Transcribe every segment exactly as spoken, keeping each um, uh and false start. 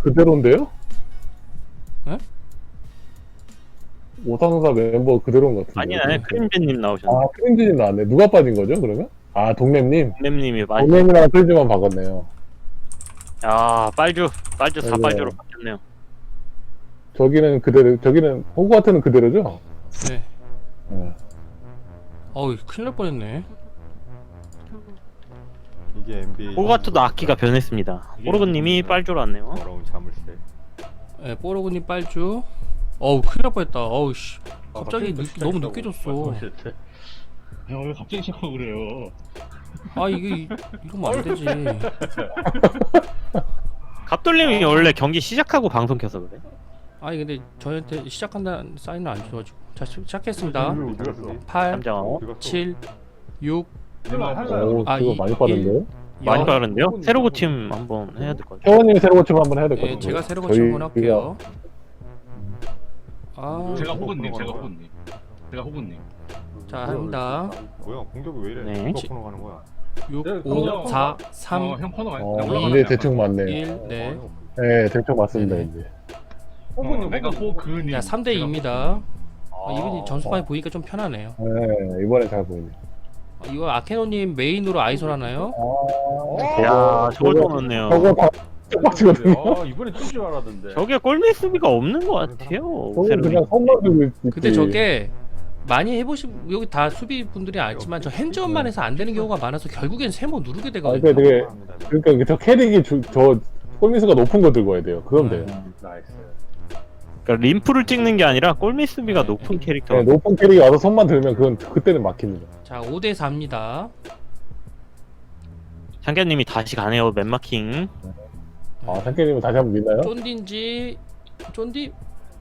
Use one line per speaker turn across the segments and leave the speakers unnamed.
그대로인데요?
네?
오사노사 멤버 그대로인 것 같은데.
아니 아니 크림제님 나오셨네.
아, 크림진이 나왔네. 누가 빠진 거죠, 그러면? 아, 동nem님.
렘님이 많이.
동nem이랑 크림진만 바꿨네요.
야 빨주 빨주
네.
사빨주로 바뀌었네요.
저기는 그대로, 저기는, 호그와트는 그대로죠?
네.
네.
어우 큰일 날 뻔했네.
이게 엠비에이
호가트도 악기가 변했습니다. 포르그님이 빨주로 왔네요.
더러운 자물쇠.
네, 뽀로그님 빨주. 어우 큰일 날 뻔했다. 어우 씨. 갑자기
갑자기
늦,
또
너무
시작했다고
늦게 줬어.
말씀하셨대.
야, 왜 갑자기 시작하고 그래요?
아 이게 이러면 안 되지.
갑돌님이 원래 경기 시작하고 방송 켜서 그래.
아니 근데 저한테 시작한다는 사인을 안 줘가지고. 자 시, 시작했습니다.
어디 갔어?
팔,
잠장
칠, 육,
오,
아,
그거
이-
많이 빠른데요?
많이
영.
빠른데요? 새로 고침 한번 해야 될 것 같아요.
태원님이 새로 고침 한번 해야 될 것
예,
같아요.
제가 새로 고침 한번 할게요. 아,
제가 호근님, 제가 호근님. 제가 호근님.
자 합니다.
뭐야 공격이 왜 이래?
네.
이거 코너 가는 거야?
육,
네,
오,
그냥-
사,
어,
삼,
형 코너 많이
어,
올라가네.
이제 대충 맞네.
일, 네.
네, 대충 맞습니다,
네네.
이제.
어, 내가 호그님.
야 삼 대 이입니다. 아, 이분이 점수 많이 보니까 좀 편하네요.
네, 이번엔 잘 보이네.
아, 이거 아케노님 메인으로 아이솔 하나요?
야 저걸 또 넣었네요.
저거 다 빡치거든요.
아 이번에 뜰줄 알았는데.
저게 골밑 수비가 없는 것 같아요.
저거
새로.
그냥 손만 들고 있지.
근데 저게 많이 해보신 여기 다 수비 분들이 알지만 저 핸즈업만 해서 안 되는 경우가 많아서 결국엔 세모 누르게
아,
되거든요.
그러니까 되게, 그러니까 저 캐릭이 주, 저 골미수가 높은 거 들고 와야 돼요. 그럼 돼요.
나이스.
그러니까 림프를 찍는 게 아니라 골밑 수비가 높은 캐릭터.
네, 높은 캐릭이 와서 손만 들면 그건 그때는 막힙니다.
자 오 대 사입니다.
장기님이 다시 가네요. 맨마킹.
아, 상캐님은 다시 한번 믿나요?
쫀딘지 쫀디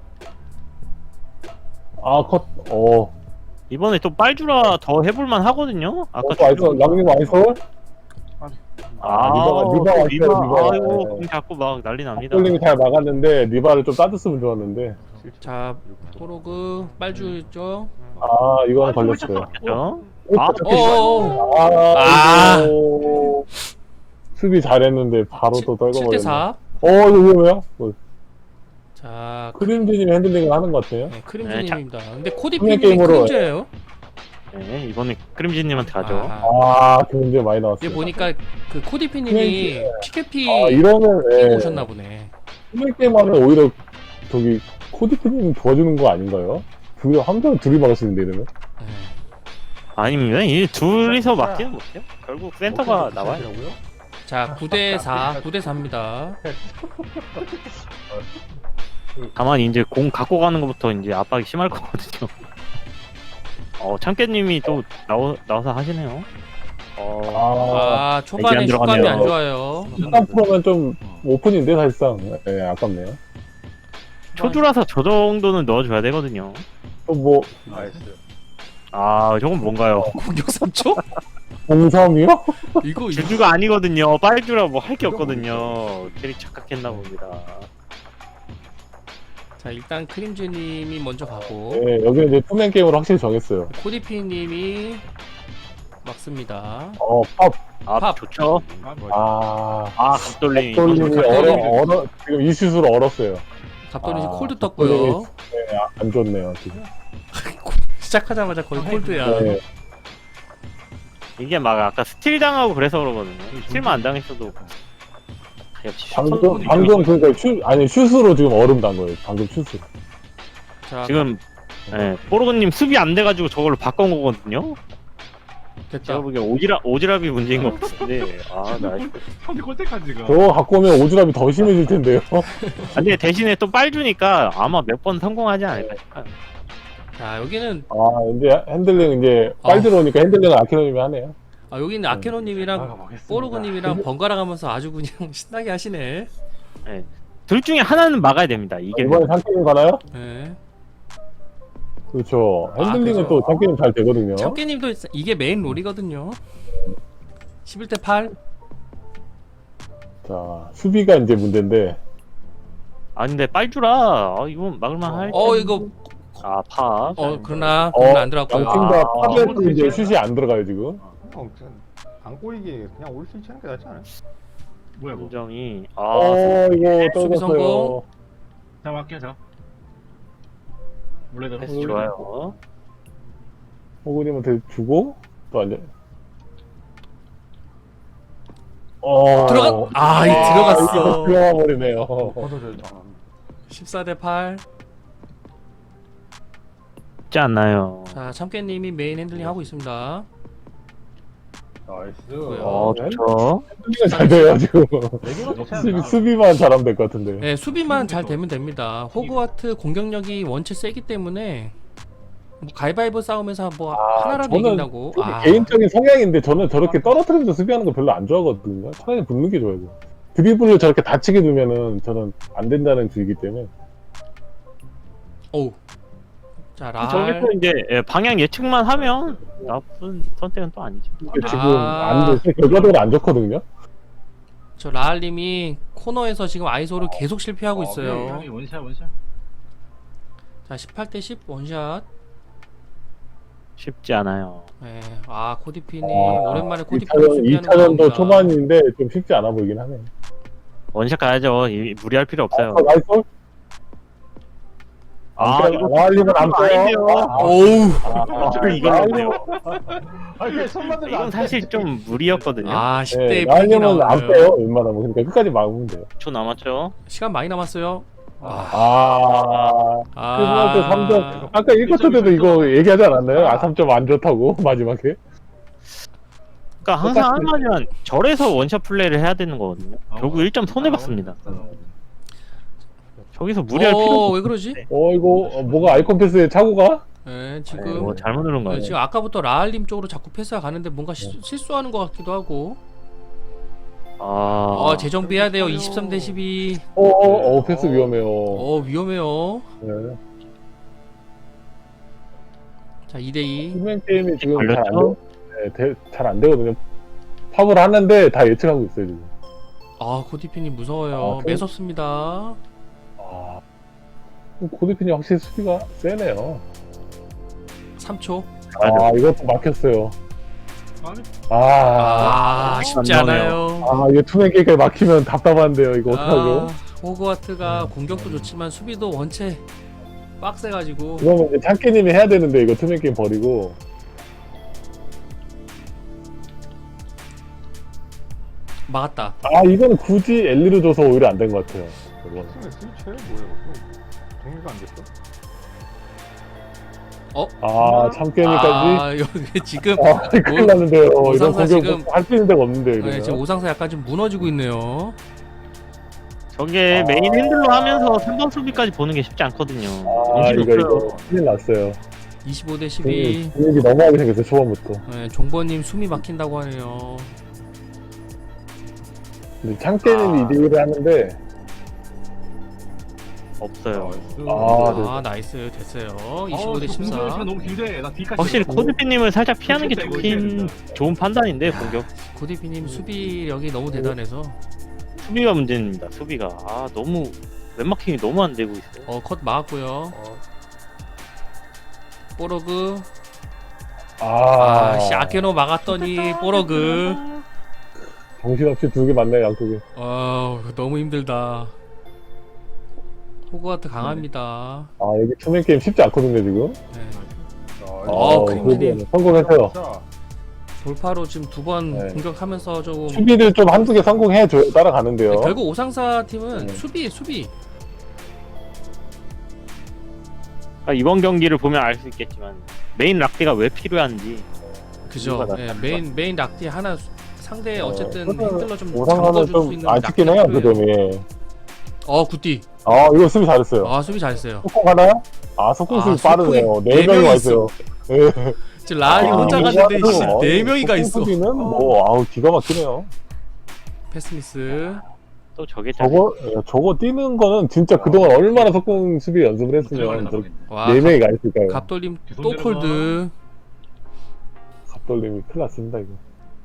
아, 컷. 어.
이번에 또 빨주라 더 해볼만 하거든요. 아까
어, 아이솔, 남님 아이솔?
아,
리바가- 리바가
또
있어요,
리바.
리바가.
아이고
네.
공 잡고 막 난리 납니다.
골님이 잘 막았는데, 리바를 좀 따졌으면 좋았는데.
자 포로그 빨주죠.
아, 이거는 걸렸어요.
그렇죠?
아,
어어어.
아,
아.
아이고. 수비 잘했는데, 바로 또
칠 대
떨궈버렸네.
사.
어, 이거 위험해요? 어,
자
크림진님이 핸들링을 하는 것 같아요.
네, 크림즈님입니다. 근데 코디
투명
피님이
게임으로-
크림즈예요.
네, 이번에 크림진님한테 가죠.
아,
아, 그 문제 많이 나왔어요.
이게 보니까 그 코디 피님이 피케피
아, 이러면,
끼고
예.
오셨나 보네.
투명 게임 하면 오히려, 저기, 코디프님 도와주는 거 아닌가요? 둘이, 함정 둘이 막으시는데, 이러면?
네.
아닙니다. 이 둘이서 막지는 못해요. 결국 센터가 나와요.
자 구 대 사, 구 대 사입니다.
다만 이제 공 갖고 가는 것부터 이제 압박이 심할 거거든요. 어, 참깨님이 또 나오, 나와서 하시네요. 어,
아,
아 초반에
안
슛감이
들어가네요.
안 좋아요.
십삼 퍼센트면 좀 오픈인데, 사실상. 예, 아깝네요.
초주라서 저 정도는 넣어줘야 되거든요.
또 뭐,
나이스.
아, 저건 뭔가요?
공격 삼 초?
공삼이요?
이거 이거
주주가 아니거든요. 빨주라 뭐 할 게 없거든요. 캐릭 착각했나 봅니다.
자 일단 크림즈님이 먼저 가고
예, 여기는 이제 투맨 게임으로 확실히 정했어요.
코디피님이 막습니다.
어, 팝.
아,
팝.
좋죠.
아,
아, 갑돌림이.
돌림이
갑돌림이-
얼어, 얼어, 지금 이 슛으로 얼었어요.
갑돌이
아,
콜드 떴고요.
예, 아, 안 좋네요, 지금.
시작하자마자 거의 콜드야.
네.
이게 막 아까 스틸 당하고 그래서 그러거든요. 스틸만 안 당했어도 역시
방금,
슈퍼-
방금 그니까 슛, 아니, 슛으로 지금 얼음 단 거예요. 방금 슛으로.
자
지금 예, 뽀로그님 수비 안 돼가지고 저걸로 바꾼 거거든요.
됐다.
제가 보기엔 오지랖 오지랖이 문제인 것 같은데 아 나이스.
형들 꼴대까지가.
저거 갖고 오면 오즈람이 더 심해질 텐데요.
아, 근데 대신에 또 빨 주니까 아마 몇 번 성공하지 않을까 싶어요.
자 여기는
아, 이제 핸들링 이제 빨
아.
들어오니까 핸들링을 아키노님이 하네요.
아 여기는 아케노님이랑
나가보겠습니다.
뽀로그님이랑 번갈아 가면서 아주 그냥 신나게 하시네.
둘 중에 하나는 막아야 됩니다. 이게
이번에 상캐님 가나요?
네.
그렇죠.
아,
핸들링은
그죠.
또 상캐님 잘 되거든요.
참깨님도 이게 메인 롤이거든요. 십일 대 팔.
자, 수비가 이제 문제인데.
아 근데 빨주라 아, 이건 막을만 할.
어 이거
아 파.
어 그러나
어,
그러나 안 들어갔고요.
양팀 다
아,
파베트 이제 슛이 안 들어가요, 지금.
형, 그냥 안 꼬이게 그냥 올 수 있지 않은 게 낫지 않아요?
뭐야 뭐.
감정이 아
어, 이거
수비
떨궜어요.
성공.
자 할게요 자. 원래대로.
패스 좋아요.
호구님한테 주고 또 앉아. 어,
들어가- 아, 이 들어갔어.
이거 들어가 버리네요.
퍼져져.
십사 대 팔.
쉽지 않나요?
자, 참깨님이 메인 핸들링 하고 있습니다.
나이스.
어 좋죠.
수비가 잘 돼요 지금.
내기로
수비, 수비만 잘하면 될 것 같은데.
네, 수비만 잘 되면 됩니다. 호그와트 공격력이 원체 세기 때문에 뭐 가위바위보 싸움에서 뭐
아,
하나라도
저는
이긴다고.
수비
아,
개인적인 성향인데 저는 저렇게 떨어뜨리면서 수비하는 거 별로 안 좋아하거든요. 차라리 붙는 게 좋아요. 드리블을 저렇게 다치게 두면은 저는 안 된다는 주의기 때문에.
어우. 자, 랄.
저기서 이제 예, 방향 예측만 하면 나쁜 선택은 또 아니죠.
근데 지금
아.
안 돼. 결과적으로 안 좋거든요.
저 라알님이 코너에서 지금 아이소를 계속 실패하고 있어요.
형이 원샷 원샷.
자, 십팔 대 십 원샷.
쉽지 않아요.
네. 아, 코디피님
아,
오랜만에 코디피
이차전,
수비하는
이차전도
거 나옵니다.
초반인데 좀 쉽지 않아 보이긴 하네.
원샷 가야죠. 이, 무리할 필요 없어요.
아, 나이스.
아, 이거
라알님은 안
아닌데요.
빼요. 아,
오우.
아,
이거
라알님은
아니 그냥 손만 대면
이건
안
사실 좀 무리였거든요.
아, 십 대
네,
픽이
라알님은 안
나오네요.
빼요. 웬만하면. 그러니까 끝까지 막으면 돼요.
초 남았죠.
시간 많이 남았어요. 아,
아,
아.
크리스마스 삼 점. 아까 일 쿼터 때도 이거 얘기하지 않았나요? 아, 삼 점 안 좋다고, 마지막에.
그러니까 항상
똑같이-
하면 절에서 원샷 플레이를 해야 되는 거거든요.
아,
결국 일 점 손해 봤습니다.
아,
저기서 무리할 필요
어,
없.
왜 그러지?
어, 이거, 어, 뭐가 아이콘 패스에 차고가?
네,
네,
지금
뭐 잘못 누른
네,
거예요.
지금 아까부터 라알님 쪽으로 자꾸 패스가 가는데 뭔가 시-
네.
실수하는 것 같기도 하고.
아,
어, 재정비해야 돼요. 이십삼 대 십이.
어, 어, 어, 패스 위험해요.
어, 위험해요.
네.
자, 이 대 이.
후면 게임이 지금 잘 안
걸렸죠?
되, 네, 잘 안 되거든요. 팝을 하는데 다 예측하고 있어요, 지금.
아, 코디피님 무서워요.
아, 그-
매섭습니다.
아. 고대핀이 확실히 수비가 세네요.
삼 초.
아, 이것도 막혔어요.
아니,
아,
아,
아,
쉽지
안
않아요.
아, 이거 투맨 게임까지 막히면 답답한데요, 이거 어떡하죠?
아, 호그와트가 공격도 좋지만 수비도 원체 빡세가지고.
그러면 이제 창기님이 해야 되는데, 이거 투맨 게임 버리고.
막았다.
아, 이거는 굳이 엘리로 줘서 오히려 안 된 것 같아요. 이거는.
스위치해 뭐예요? 동의가 안 됐어?
아, 참깨니까지.
아, 여기 지금
아, 큰일 났는데요. 이런
오상사
공격
지금-
할 수 있는 데가 없는데, 이거.
네, 지금 오상사 약간 좀 무너지고 있네요.
저게
아.
메인 핸들로 하면서 삼 번 수비까지 보는 게 쉽지 않거든요.
아,
정신이
이거,
없어요.
이거, 큰일 났어요.
이십오 대 십이.
분위기 너무하게 생겼어요, 초반부터.
네, 종버님 숨이 막힌다고 하네요.
근데 창깨님이
아.
이 대 일을 하는데,
없어요.
아, 네.
아, 나이스 됐어요. 이십오 대
어,
십사.
공격 시간 너무 길대. 나 뒤까지.
확실히
갔어.
코드피님을 살짝 피하는 게
이거
좋긴
이거
좋은 판단인데 공격
고디피님 수비력이 너무 대단해서.
수비가 문제입니다. 수비가 아 너무 웹마킹이 너무 안 되고 있어요.
어, 컷 막았고요. 뽀로그.
아,
아, 씨, 아케노 막았더니 뽀로그.
정신없이 두 개 맞네요, 양쪽에.
아, 너무 힘들다. 호그와트 강합니다.
아, 여기 투맨 게임 쉽지 않거든요, 지금.
네.
어,
크림님.
그래도 성공했어요.
돌파로 지금 두 번
네.
공격하면서 조금.
수비를 좀 한두 개 성공해줘야 따라가는데요.
네, 결국 오상사 팀은
네.
수비, 수비.
그러니까 이번 경기를 보면 알 수 있겠지만 메인 락대가 왜 필요한지
그죠.
이유가
네,
나타난
메인 메인 락티 하나 수- 상대
어,
어쨌든
그래서
핸들러 좀
오상하는
잠궈줄 수
좀
있는
아쉽긴
락티가
해요, 그
필요해요.
점이.
어, 굿디.
아, 이거 수비 잘했어요.
아, 수비 잘했어요.
속공 가나요? 아, 속공
아,
수비
속공이
빠르네요.
네
네 명이
명이
와 있어요. 예.
지금 라알이
아,
혼자
이거
갔는데
아주,
씨,
어,
네 명이가
속공
있어.
수비는 뭐, 아우, 기가 막히네요.
패스미스.
또 저게
저거, 예, 저거 뛰는 거는 진짜 그동안 얼마나 속공 수비 연습을 했으면 저렇게
와,
네 명이 가 있을까요?
갑돌림
계속
또
내려가.
콜드.
갑돌림이 큰일 났습니다, 이거.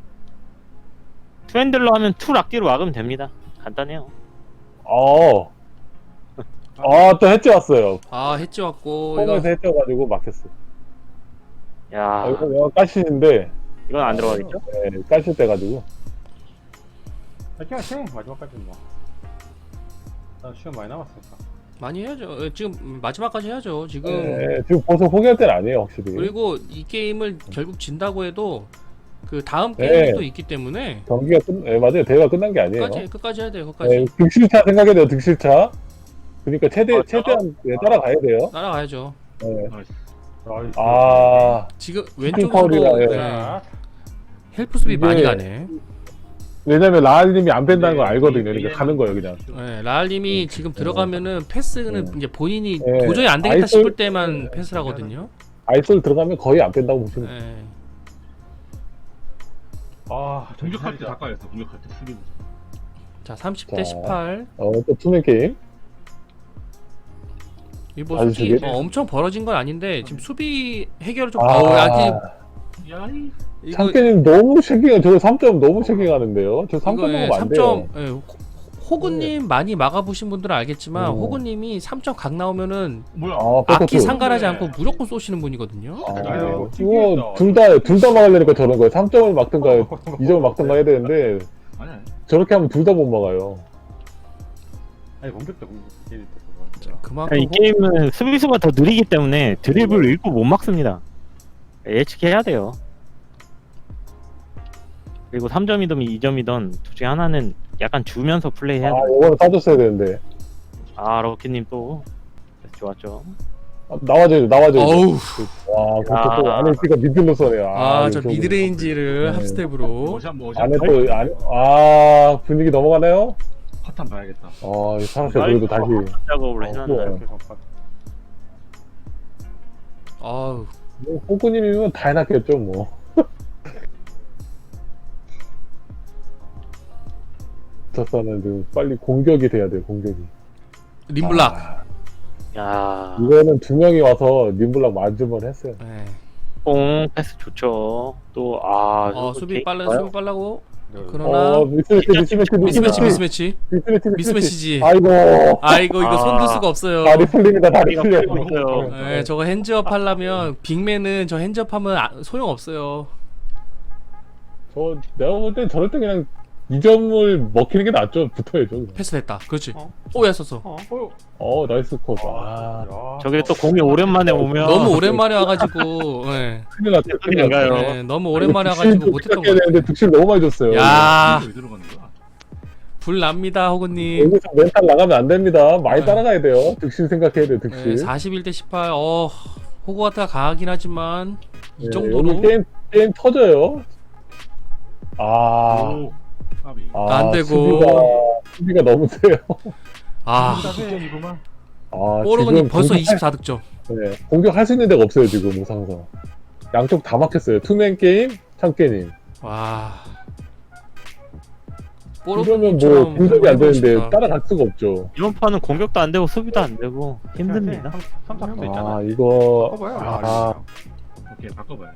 투 핸들로 하면 투 락대로 막으면 됩니다. 간단해요.
어. 아, 또 해치 왔어요.
아, 해치 왔고 이거
홈에서 해치 와가지고 막혔어.
야
아, 이거 까시는데,
이건 안 들어가겠죠?
네, 까실 때 가지고.
아, 그냥 지금 마지막까지 뭐. 나 시간 많이 남았으니까.
많이 해야죠. 어, 지금 마지막까지 해야죠. 지금
네, 지금 벌써 포기할 때는 아니에요, 확실히.
그리고 이 게임을 결국 진다고 해도 그 다음
네.
게임이 또 있기 때문에
경기가 끝, 네, 맞아요. 대회가 끝난 게 아니에요.
끝까지 끝까지 해야 돼요. 끝까지
네, 득실차 생각해야 돼요, 득실차. 그러니까 최대,
아,
최대한 네, 따라가야 돼요.
따라가야죠.
네.
나이스.
나이스.
아,
지금
파울이라,
왼쪽에서도
예.
네,
자,
헬프 수비
이게-
많이 가네.
왜냐면 라알님이 안 뺀다는 걸
네,
알거든요.
네,
그러니까
네.
가는 거예요, 그냥.
네, 라알님이 지금 들어가면은 패스는
네.
이제 본인이
네.
도저히 안 되겠다
아이솔-
싶을 때만 패스를 하거든요.
아이솔 들어가면 거의 안 뺀다고 보시면 돼요.
네.
아,
공격할 때 가까이였어. 공격할 때 수비.
자 삼십 대
자.
십팔.
어, 또 투맨 게임.
이뭐
아주
솔직히
저게-
어, 엄청 벌어진 건 아닌데 지금 수비 해결을 좀
아,
아우 아직
야이.
이거
창캐님 너무 쉐킹, 저 삼 점 너무 쉐킹하는데요. 저 삼 점
이거
먹으면 안
삼
돼요.
점 예, 호- 호구님 많이 막아보신 분들은 알겠지만
음.
호구님이 삼 점 각 나오면은
뭐야?
아,
악기
백커트.
상관하지
네.
않고 무조건 쏘시는 분이거든요.
아,
이거
이거 둘 다, 둘 다 막으려니까 저런 거예요. 삼 점을 막든가, 이 점을 막든가 해야 되는데,
아니 아니.
저렇게 하면 둘 다 못 막아요.
아니 공격도 공격. 게임 때
그만큼
이
호-
게임은 수비수가 더 느리기 때문에 드리블을 읽고 못 막습니다. 예측해야 돼요. 그리고 삼 점이든 이 점이든 둘 중에 하나는 약간 주면서 플레이해야
아,
돼요.
이거는 따줬어야 되는데.
아 럭키님 또 좋았죠.
아, 나와줘요, 나와줘요.
어우
와, 그것도 또
아.
안에 있으니까 미들로 써네요.
아 저
이거
미드레인지를
네.
합스텝으로
뭐시 한번 뭐시
안에
한번
또, 안, 아, 분위기 넘어가나요?
파탄 봐야겠다.
아, 살았어요. 그래도 다시.
작업을
어,
해놨나요?
좋아요.
아우
뭐, 호구님이면 다 해놨겠죠, 뭐. 저서는 지금 빨리 공격이 돼야 돼요, 공격이.
림블락.
아,
야,
이거는 두 명이 와서 림블락 맞으면 했어요.
네.
뽕 패스 좋죠. 또 아,
어
저거
수비
개인
빨라
좋아요.
수비 빨라고
네.
그러나
어, 미스매치, 미스매치,
미스매치
미스매치,
미스매치
미스매치,
미스매치지.
아이고.
아이고 이거
아.
손들 수가 없어요.
다리 풀립니다, 다리
다리가
풀려요.
풀리고 있어요.
네, 저거 핸즈업 하려면 빅맨은 저 핸즈업 하면 아, 소용 없어요.
저, 내가 볼 땐 저럴 때 그냥 이 점을 먹히는 게 낫죠. 붙어야죠. 그냥.
패스됐다. 그렇지.
어?
오야 썼어.
어, 어,
어, 나이스 컷. 아,
야.
저게 또 공이 오랜만에 오면
너무 오랜만에 와가지고. 네.
큰일 났다, 큰일 났다.
큰일인가요?
네, 너무 오랜만에 와가지고 못했던 거
야 되는데 득실 너무 많이 줬어요.
야.
왜 들어가는 거야?
불 납니다, 호구님.
여기서 멘탈 나가면 안 됩니다. 많이
네.
따라가야 돼요. 득실 생각해야 돼요,
네,
득실.
사십일 대 십팔. 어, 호구가 강하긴 하지만 이
네,
정도로
여기 게임, 게임 터져요. 아,
오. 까비.
아
안 되고.
수비가, 수비가 너무 세요.
아,
득점이구만.
아,
뽀로그님
지금
벌써
공격할-
이십사 득점.
네, 공격할 수 있는 데가 없어요, 지금, 무상성. 양쪽 다 막혔어요. 투맨 게임, 창깨님.
와.
이러면 뭐,
뽀로그님처럼
공격이 안 되는데
해보고 싶다.
따라갈 수가 없죠.
이번 판은 공격도 안 되고 수비도 안 되고 힘듭니다.
삼tak도
아,
있잖아.
이거.
봐봐요.
아,
오케이 바꿔봐요.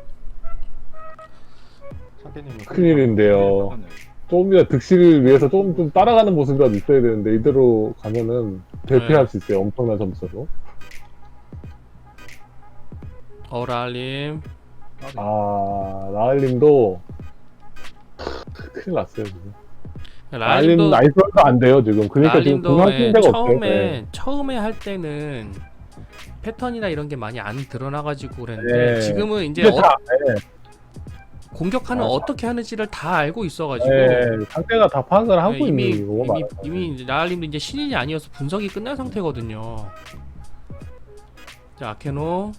창태님은
큰일인데요.
바꿨네.
조금이라 득실을 위해서 조금 좀 따라가는 모습이라도 있어야 되는데 이대로 가면은 대패할
네.
수 있어요. 엄청난 점수로.
어랄님.
아, 라알님도 큰일 났어요 지금. 라알님
라알님도
나이스도 안 돼요 지금. 그러니까 지금
라알님도
공격할 수
예,
있는 데가 없어요.
처음에
네.
처음에 할 때는 패턴이나 이런 게 많이 안 드러나가지고 그랬는데
네.
지금은 이제
근데
어,
다, 네,
공격하는
아,
어떻게 하는지를 다 알고 있어가지고
네, 상대가 다 파악을 하고
네, 이미
있는 거고
이미
많아요.
이미 라알님도 이제 신인이 아니어서 분석이 끝난 상태거든요. 자 아케노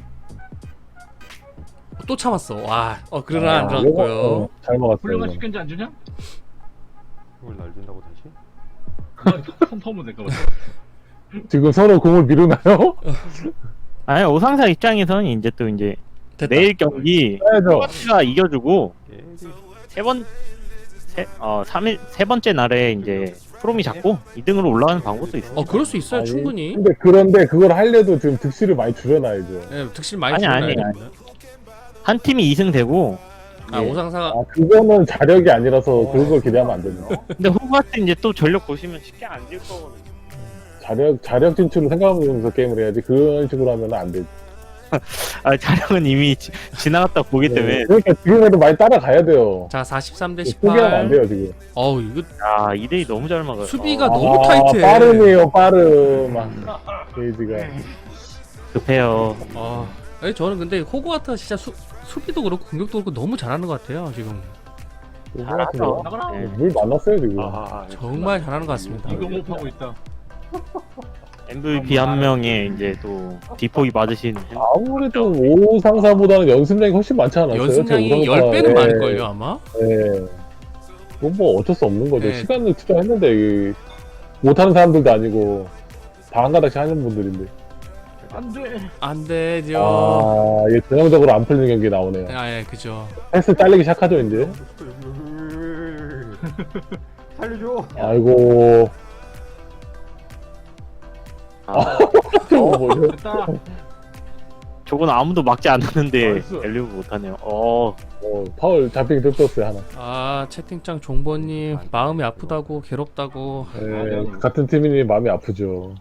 또 참았어. 와, 어 그러나 안
아,
들어갔고요.
이거, 어, 잘 먹었어요.
훌륭한
이거는.
식견지 안 주냐?
이걸 날린다고 다시?
나 터면 될까 봐.
지금 서로 공을 미루나요?
아니 오상사 입장에서는 이제 또 이제
됐다.
내일 경기
해야죠.
크로아티아가 이겨주고
예.
세번 세, 어, 삼 일, 세 번째 날에 이제 프롬이 잡고 이 등으로 올라가는 방법도 있어요.
어 그럴 수 있어요
아니,
충분히.
근데 그런데 그걸 하려도 지금 득실을 많이 줄여놔야죠.
예, 득실 많이
아니,
줄여놔야
아니,
됩니다.
한 팀이 이 승 되고
아
예.
오상사가
아, 그거는 자력이 아니라서 그걸 기대하면 안 됩니다.
근데 호가트 이제 또 전력 보시면 쉽게 안 질 거거든요.
자력, 자력 진출을 생각하면서 게임을 해야지 그런 식으로 하면 안 되지.
아 촬영은 이미 지, 지나갔다 보기 때문에.
네, 그러니까 지금에도 많이 따라가야 돼요.
자 사십삼 대
포기하면 안
십팔.
돼요 지금.
어우 이거
아 이 대이 너무 잘 막아요.
수비가
어,
너무 타이트해.
빠름이에요 빠름. 아, 게이지가.
급해요.
아, 아니, 저는 근데 호그와트가 진짜 수, 수비도 그렇고 공격도 그렇고 너무 잘하는 것 같아요 지금.
잘하죠.
네, 물 많았어요 지금.
아,
정말 잘하는 것 같습니다.
이거 못 하고 있다.
엠브이피 한 명에 이제 또 디포이 맞으신
아무래도 오 상사보다는 연습량이 훨씬 많지 않았어요?
연습량이
제 오
열
상사.
배는
네.
많을걸요 아마.
네. 그건 뭐 어쩔 수 없는 거죠.
네.
시간을 투자했는데 이 못하는 사람들도 아니고 다 한 가닥씩 하는 분들인데.
안돼.
안 되죠.
아, 이게 전형적으로 안 풀리는 경기 나오네요.
아예 그죠.
패스 잘리기 시작하죠 이제.
살려줘.
아이고.
아,
저거 뭐죠?
됐다.
저건 아무도 막지 않았는데
나이스.
엘리브 못하네요. 어,
어, 파울 잡히기 뜯었어요 하나.
아 채팅창 종보님 마음이 아프다고 괴롭다고.
네, 같은 팀이니 마음이 아프죠.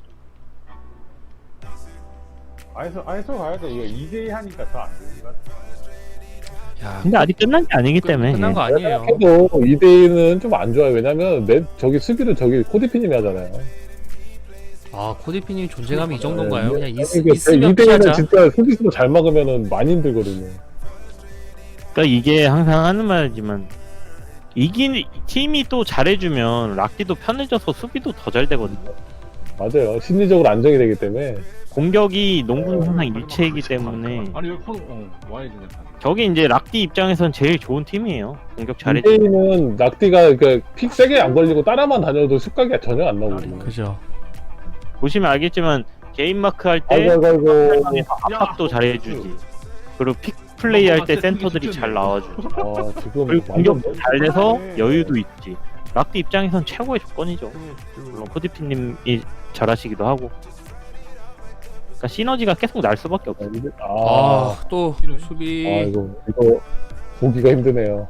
아이소 아이소 가야 돼. 이거 이 대 이 하니까 더 안 되는 것 같아.
야
근데 아직 끝난 게 아니기 때문에.
끝난 거 아니에요.
해도 이 대 이는 좀 안 좋아요. 왜냐면 내 저기 수비를 저기 코디피님이 하잖아요.
아 코디피님 존재감이 이 정도인가요?
네,
그냥 있,
이게
있으면
이 대 이는
피하자.
진짜 수비수로 잘 막으면은 많이 힘들거든요.
그러니까 이게 항상 하는 말이지만 이긴 팀이 또 잘해주면 락디도 편해져서 수비도 더 잘 되거든요.
맞아요. 심리적으로 안정이 되기 때문에.
공격이 농구는 항상 일체이기 때문에
아니 여기 폰 어, 와야지 내 판.
저게 이제 락디 입장에선 제일 좋은 팀이에요. 공격
이
잘해주.
대 이는 낙디가 그픽 세게 안 걸리고 따라만 다녀도 습각이 전혀 안 나오거든요.
그죠.
보시면 알겠지만 게임 마크 할 때
아이고 아이고 아이고.
압박도 잘해주지. 그리고 픽 플레이 할 때 센터들이 잘 나와주지.
아, 지금
그리고
완전
공격도 잘 돼서 여유도 있지. 락디 입장에선 최고의 조건이죠. 물론 코디피님이 잘하시기도 하고. 그러니까 시너지가 계속 날 수밖에 없어요.
아,
아또 수비.
아이고 이거 보기가 힘드네요.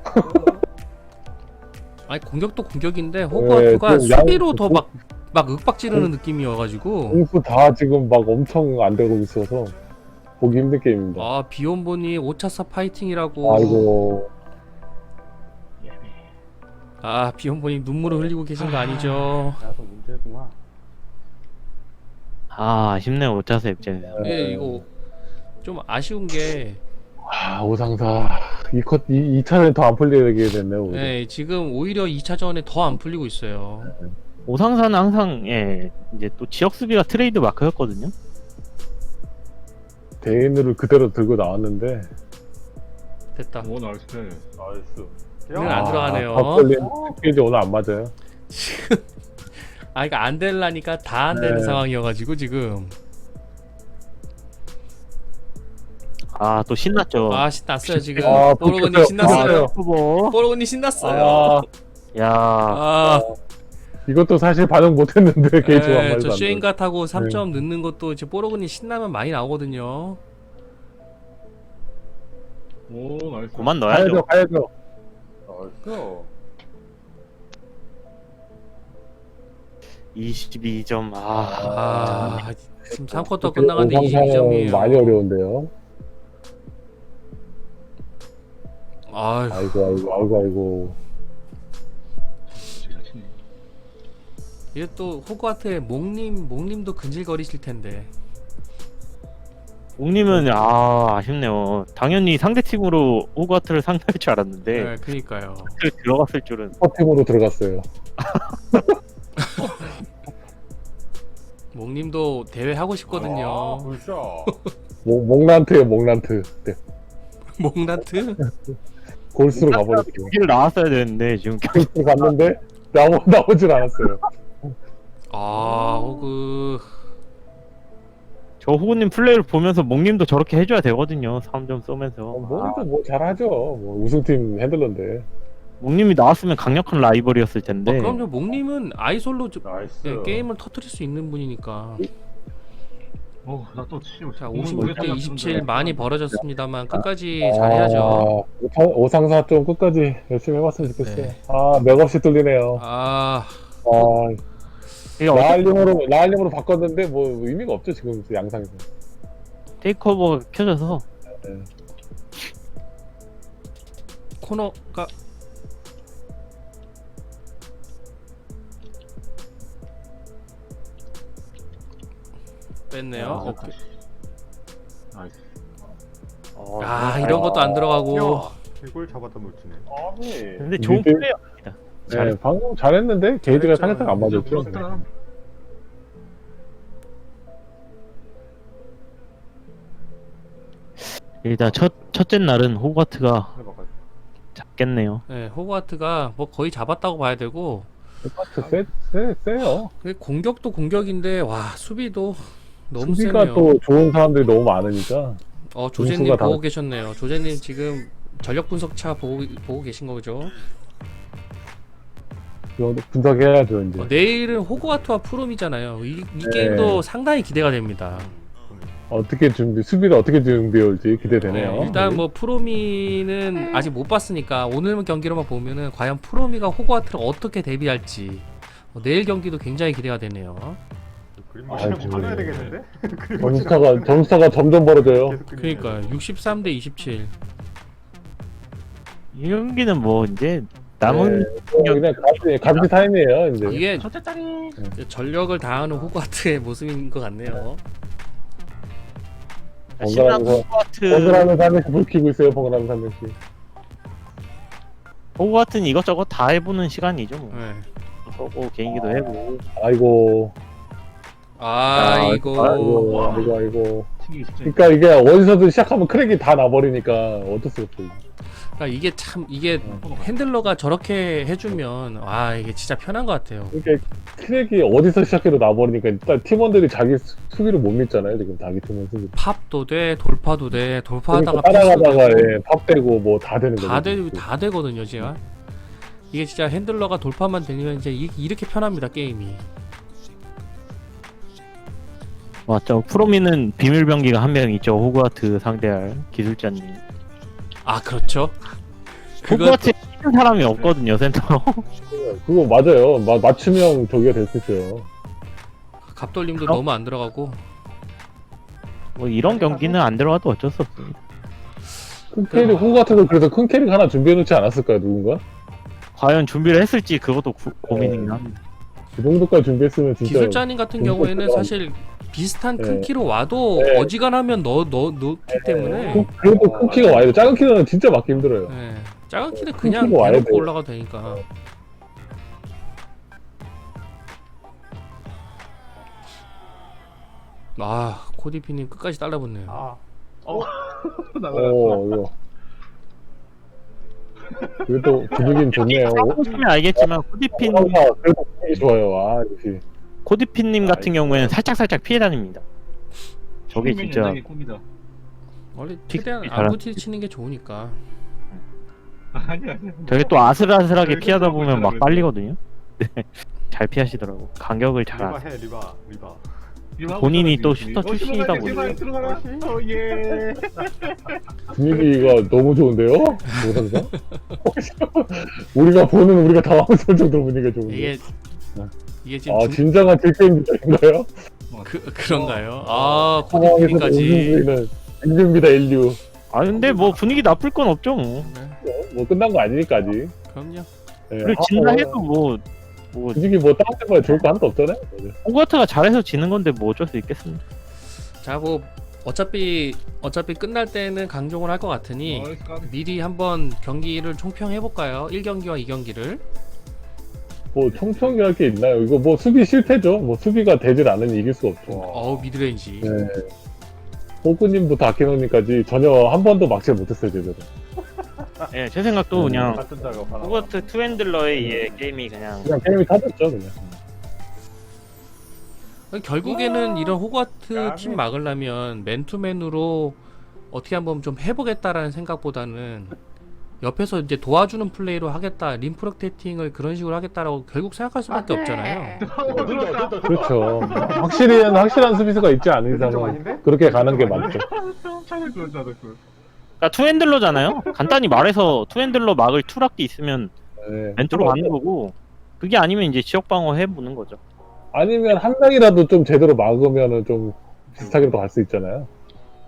아니 공격도 공격인데 호그와트가
네, 좀 양-
수비로 더 막 막 윽박 지르는 느낌이어가지고.
공수 다 지금 막 엄청 안 되고 있어서 보기 힘든 게임입니다.
아 비욘보니 오 차사 파이팅이라고.
아이고.
아 비욘보니 눈물을 흘리고 계신 거 아니죠?
나도 문제구만.
아 아쉽네요 오차스 입장에서.
예 이거 좀 아쉬운 게
아, 오상사 이 컷, 이, 이 차는 더 안 풀리게 됐네요. 오히려.
예, 지금 오히려 이 차전에 더 안 풀리고 있어요.
오상사는 항상 예 이제 또 지역 수비가 트레이드 마크였거든요.
대인으로 그대로 들고 나왔는데
됐다.
오 나이스.
나이스.
이건 안 들어가네요.
박걸린 스피드 오늘 안 맞아요.
아 이거 안 될라니까 다 안 되는
네.
상황이어가지고 지금.
아 또 신났죠.
아 신났어요 지금.
아,
뽀로그님
붙였어요.
신났어요.
후보.
뽀로그님 신났어요.
아,
야
아,
이것도 사실 반응 못했는데 게이지가 한
예,
마리도
저
안 돼.
쉐인가 타고 삼 점 넣는 것도 이제 뽀로그님 신나면 많이 나오거든요.
오 나이스.
그만
가야죠,
넣어야죠.
가야죠.
나이스.
이십이 점. 아,
아 지금 삼 쿼터 끝나갔는데 이십이 점이에요.
많이 어려운데요.
아유,
아이고, 아이고, 아이고, 아이고.
진짜 치네.
이게 또 호그와트의 목님 목님도 근질거리실 텐데.
옥님은 아 아쉽네요. 당연히 상대 팀으로 호그와트를 상대할 줄 알았는데
네, 그니까요.
그 들어갔을 줄은.
슈퍼팀으로 들어갔어요.
목님도 대회 하고
아,
싶거든요.
불쇼.
목, 목란트에요, 목란트. 네.
목나트?
골수로 가버렸어요.
여기를 나왔어야 되는데 지금
골수로 갔는데 나오, 나오질 않았어요.
아 호그.
저 호구님 플레이를 보면서 목님도 저렇게 해줘야 되거든요. 삼 점 쏘면서.
어, 뭐도 뭐 잘하죠. 뭐 우승팀 핸들러인데.
목님이 나왔으면 강력한 라이벌이었을 텐데.
아, 그럼요. 목님은 아이솔로 저-
나이스.
예, 게임을 터트릴 수 있는 분이니까.
어나또 치고.
자 오십육 대 이십칠 많이 벌어졌습니다만 끝까지
아,
잘해야죠.
오상- 오상사 좀 끝까지 열심히 해봤으면 좋겠어요.
네.
아, 맥없이 뚫리네요.
아
아,
이게 어떻게
라알림으로, 라알림으로 바꿨는데 뭐 의미가 없죠, 지금 양상에서.
테이크오버가 켜져서
네.
코너가 뺐네요.
아,
오케이.
나이스.
어,
아 이런 것도 안 들어가고.
야, 이걸 잡았다 놓치네.
아니.
근데 좋은
미드-
플레이어입니다.
네, 방금 잘했는데 게이지가 살짝 안 맞았죠.
부럽다.
일단 첫 첫째 날은 호가트가
해봐가지고.
잡겠네요.
네, 호그와트가 뭐 거의 잡았다고 봐야 되고
똑같이 세, 세, 세요.
그 공격도 공격인데 와 수비도 너무
수비가
세네요.
또 좋은 사람들이 너무 많으니까.
어 조제님
공수가 다-
보고 계셨네요. 조제님 지금 전력 분석차 보고 보고 계신 거죠?
이거 분석해야죠, 이제.
어, 내일은 호그와트와 프롬이잖아요. 이, 이
네.
게임도 상당히 기대가 됩니다.
어떻게 준비, 수비를 어떻게 준비해 올지 기대되네요.
네, 일단 뭐 프로미는 아직 못 봤으니까 오늘 경기로만 보면은 과연 프로미가 호그와트를 어떻게 대비할지 어, 내일 경기도 굉장히 기대가 되네요.
그림
아이고.
맞추면 화나야 되겠는데? 그림
점수차가, 점수차가 점점 벌어져요.
계속 그림
그러니까
해야 돼.
육십삼 대 이십칠.
이 경기는 뭐 이제 남은
네, 뭐 그냥 가비, 가비 타임이에요, 이제.
이게
첫째 짜리.
전력을 다하는 호그와트의 모습인 것 같네요.
신랑
번갈아가면서,
호가트
번갈아가면서 한 명씩 불 켜고 있어요, 번갈아가면서 한 명씩.
호가트는 이것저것 다 해보는 시간이죠. 뭐.
네.
쏘고 개인기도 해보고.
아이고,
아이고.
아이고, 아이고, 아이고.
튀기 쉽지.
그러니까 이게 어디서든 시작하면 크랙이 다 나버리니까 어쩔 수 없어요.
그러니까 이게 참 이게 핸들러가 저렇게 해주면 와 이게 진짜 편한 것 같아요.
이게 크랙이 어디서 시작해도 나버리니까 일단 팀원들이 자기 수- 수비를 못 믿잖아요, 지금 자기 팀원 수비.
팝도 돼, 돌파도 돼, 돌파하다가
그러니까 따라가다가
패스도 되고
예, 밥 되고 뭐 다 되는 거죠.
다 되, 다 되거든요, 제가. 이게 진짜 핸들러가 돌파만 되면 이제 이, 이렇게 편합니다 게임이.
맞죠. 프로미는 비밀병기가 한 명 있죠. 호그와트 상대할 기술자님.
아 그렇죠. 그거
호그와트에 뛰는 사람이 없거든요, 센터로.
그거 맞아요. 마, 맞춤형 저기가 될 수 있어요.
갑돌림도
그럼?
너무 안 들어가고.
뭐 이런 경기는 안 들어가도 어쩔 수 없습니다.
큰 캐릭, 홍 같은 거 그래서 큰 캐릭 하나 준비해 놓지 않았을까요, 누군가?
과연 준비를 했을지 그것도 구- 고민이긴 합니다.
그 정도까지 준비했으면 진짜.
기술자님 같은
공격
경우에는
들어가면-
사실 비슷한 큰
네.
키로 와도
네.
어지간하면 넣, 넣, 넣기 때문에
큰- 그래도 큰 키가 와야 돼. 작은 키는 진짜 맞기 힘들어요.
네. 작은 키는
큰
그냥
키가 와야
대놓고
돼요.
올라가도 되니까. 아 코디피님 끝까지 달라붙네요.
아,
나가라.
어, 이거. 그래도 분위기는 좋네요.
보시면 알겠지만 코디핀
아, 그래도 분위기 좋아요. 아, 역시.
코디핀님 같은 경우에는 살짝 살짝 피해 다닙니다. 저게
꿈이면
진짜
연장의 꿈이다.
원래
픽-
최대한
픽
안
잘하-
부딪히는 게 좋으니까.
아니 아니.
저게 또 아슬아슬하게
그래,
피하다
그거
보면 막
그래.
빨리거든요. 네. 잘 피하시더라고. 간격을 잘
리바
안.
해, 리바, 리바.
본인이 또 슈터 출신이다
보니.
보니까.
들어가라. 어 예.
분위기가 너무 좋은데요? 모상상? 우리가 보는 우리가 당황스러울 정도로 분위기가 좋은데.
이게 이게 지금
아,
중-
진정한 딜게임인가요?
그, 그런가요? 아
상황에서
코디피님까지.
우승수는 인류입니다, 인류.
아 근데 뭐 분위기 나쁠 건 없죠 뭐.
네,
뭐 끝난 거 아니니까 아직.
그럼요.
예,
그리고
아,
진다
뭐,
해도 뭐. 뭐
분위기 뭐 다운된 거에 좋을 거 하나도 없잖아요.
호가트가 잘해서 지는 건데 뭐 어쩔 수 있겠습니다.
자 뭐 어차피 어차피 끝날 때는 강종을 할 것 같으니
나이스 까비.
미리 한번 경기를 총평해 볼까요? 일 경기와 이 경기를.
뭐 총평이 할 게 있나요? 이거 뭐 수비 실패죠. 뭐 수비가 되질 않으니 이길 수 없죠.
어우 미드레인지.
네. 호구님부터 아키노님까지 전혀 한 번도 막지 못했어요, 제대로.
예, 제 생각도 그냥
같은 작업 하나.
호가트 투핸들러의 예, 게임이 그냥
그냥 게임이 타졌죠, 그냥.
결국에는 이런 호그와트
까비.
팀 막으려면 맨투맨으로 어떻게 한번 좀 해보겠다라는 생각보다는 옆에서 이제 도와주는 플레이로 하겠다, 림프로테이팅을 그런 식으로 하겠다라고 결국 생각할 수밖에 없잖아요.
그렇죠. 확실히, 확실한 수비수가 있지 않은
좀
이상은
아닌데?
그렇게 가는 게 맞죠.
차를 그 차를 그.
그러니까 투핸들러잖아요. 간단히 말해서 투핸들러 막을 투락기 있으면
네.
멘트로 가는 거고 그게 아니면 이제 지역 방어 해보는 거죠.
아니면 한 명이라도 좀 제대로 막으면은 좀 비슷하게도 갈 수 있잖아요.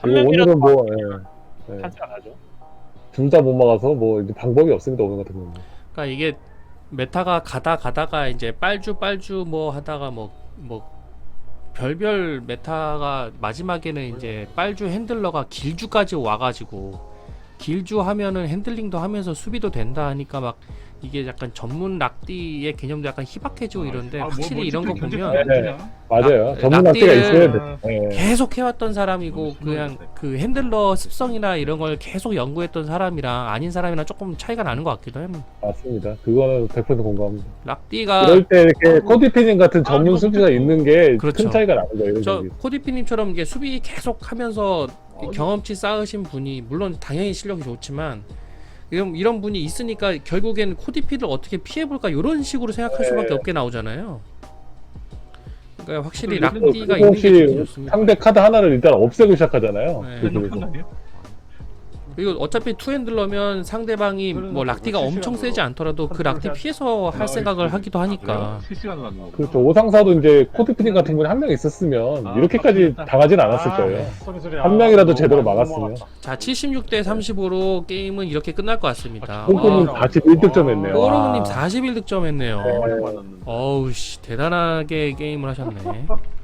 한
이거
명이라도
오늘은 뭐, 예. 예.
찬스가 나죠.
둘 다 못 막아서 뭐 이제 방법이 없습니다, 오늘 같은 경우는.
그러니까 이게 메타가 가다 가다가 이제 빨주 빨주 뭐 하다가 뭐 뭐 별별 메타가 마지막에는 이제 빨주 핸들러가 길주까지 와가지고 길주 하면은 핸들링도 하면서 수비도 된다 하니까 막 이게 약간 전문 락디의 개념도 약간 희박해지고 이런데
아, 뭐,
확실히
뭐
이런 거
진짜
보면
견제가
네.
안 되냐?
맞아요.
락-
전문 학기가
락디를-
있어야 돼. 예.
계속 해왔던 사람이고
너무
그냥
심하겠네.
그 핸들러 습성이나 이런 걸 계속 연구했던 사람이랑 아닌 사람이랑 조금 차이가 나는 것 같기도 해요.
맞습니다. 그거는 백 퍼센트 공감합니다.
락디가
이럴 때 이렇게 코디피닝 같은 전문
이거
수비가 있는 게 큰
그렇죠.
차이가 나는 거예요. 이런
저
경기.
코디피님처럼 이게 수비 계속 하면서
어,
경험치 쌓으신 분이 물론 당연히 실력이 좋지만 이런 이런 분이 있으니까 결국엔 코디피를 어떻게 피해볼까 이런 식으로 생각할
네.
수밖에 없게 나오잖아요. 그러니까 확실히
그리고
락디가
그리고
있는 게 좋긴
혹시
좋습니다.
상대 카드 하나를 일단 없애고 시작하잖아요.
네.
그
핸드폰
그래서.
아니야?
그리고 어차피 투핸들러면 상대방이 뭐 락디가 엄청 세지 않더라도 그 락디 피해서 할 생각을 하기도 하니까
실시간으로 하는 거.
그렇죠. 오상사도 이제 코디피닝 같은 분이 한 명 있었으면
아,
이렇게까지
맞다.
당하진 않았을
아,
거예요.
소리 소리.
한
아,
명이라도
너무
제대로
너무
막았으면.
넘어갔다.
자 칠십육 대 삼십오로 게임은 이렇게 끝날 것 같습니다.
콩콩님
어,
사십일 득점 했네요.
꼬르님
와.
사십일 득점 했네요.
네.
맞았는데.
어우 씨 대단하게 게임을 하셨네.